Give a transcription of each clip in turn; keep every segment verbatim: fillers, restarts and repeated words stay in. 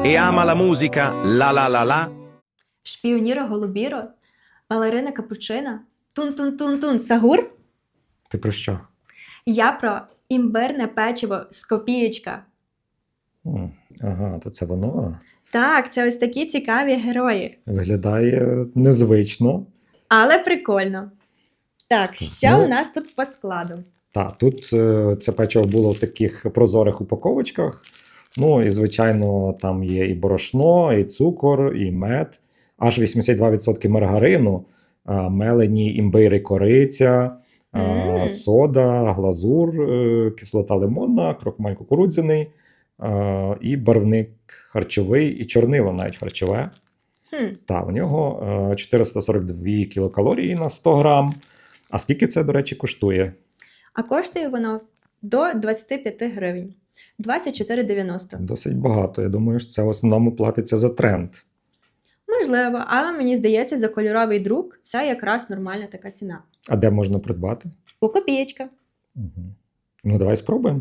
e ama la musica la la la la. Шпіоніро голубіро, балерина капучина, тун-тун-тун-тун, сагур. Ти про що? Я про імбирне печиво з копієчка. М, Ага, то це воно. Так, це ось такі цікаві герої. Виглядає незвично. Але прикольно. Так, що Ну, у нас тут по складу? Так, тут е, це печиво було в таких прозорих упаковочках. Ну і, звичайно, там є і борошно, і цукор, і мед. Аж вісімдесят два відсотки маргарину, а, мелені імбир і кориця, а, Мм. сода, глазур, е, кислота лимонна, крохмаль кукурудзяний, а, і барвник харчовий, і чорнило навіть харчове. Хм. Та, у нього е, чотириста сорок дві кілокалорії на сто грам. А скільки це, до речі, коштує? А коштує воно до двадцять п'ять гривень. двадцять чотири дев'яносто. Досить багато. Я думаю, що це в основному платиться за тренд. Можливо, але мені здається, за кольоровий друк це якраз нормальна така ціна. А де можна придбати? У копієчка. Угу. Ну, давай спробуємо.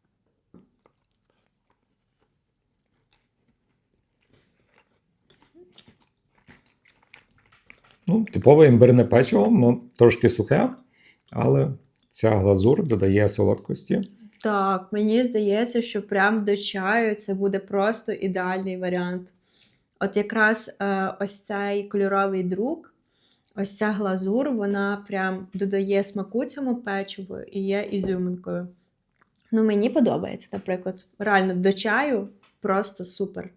Ну, типове імбирне печиво, ну, трошки сухе, але ця глазур додає солодкості. Так, мені здається, що прям до чаю це буде просто ідеальний варіант. От якраз е, ось цей кольоровий друк, ось ця глазур, вона прям додає смаку цьому печиву і є ізюминкою. Ну, мені подобається, наприклад. Реально, до чаю просто супер.